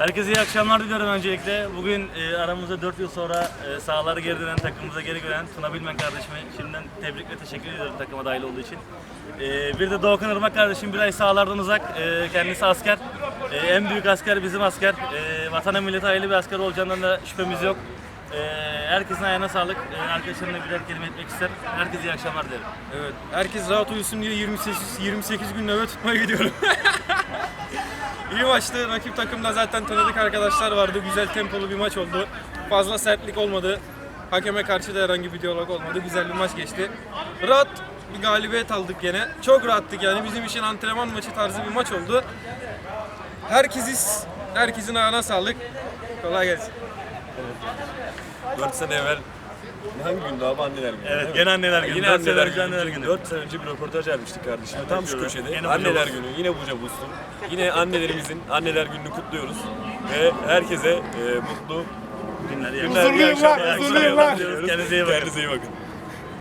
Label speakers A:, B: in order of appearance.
A: Herkese iyi akşamlar diliyorum öncelikle. Bugün aramızda 4 yıl sonra sahaları geri dönen, takımımıza geri dönen Tuna Bilmen kardeşime şimdiden tebrik ve teşekkür ediyorum takıma dahil olduğu için. Bir de Doğukan Irmak kardeşim bir ay sahalardan uzak, kendisi asker. En büyük asker bizim asker. Vatana millete hayırlı bir asker olacağından da şüphemiz yok. Herkesin ayağına sağlık. Arkadaşlarımla birer kelime etmek isterim. Herkese iyi akşamlar dilerim.
B: Evet, herkes rahat uyusun diye 28 gün nöbet tutmaya gidiyorum. İyi maçtı. Rakip takımda zaten tanıdık arkadaşlar vardı. Güzel tempolu bir maç oldu. Fazla sertlik olmadı. Hakeme karşı da herhangi bir diyalog olmadı. Güzel bir maç geçti. Rahat bir galibiyet aldık gene. Çok rahattık yani. Bizim için antrenman maçı tarzı bir maç oldu. Herkesin ayağına sağlık. Kolay gelsin.
C: 4 sene evvel hangi gündü abi, anneler günü?
A: Evet, gene anneler günü.
C: Yine
A: 4 sene
C: anneler
A: önce anneler
C: günü.
A: günü.
C: 4 sene önce bir röportaj vermiştik kardeşim. Tam şu köşede.
A: Yine
C: Anneler
A: Buca
C: günü, yine Buca Boost'un. Yine annelerimizin anneler gününü kutluyoruz. Ve herkese mutlu
A: Günler,
C: günler, iyi akşamlar.
A: Kendinize iyi bakın.
C: Kendinize iyi bakın.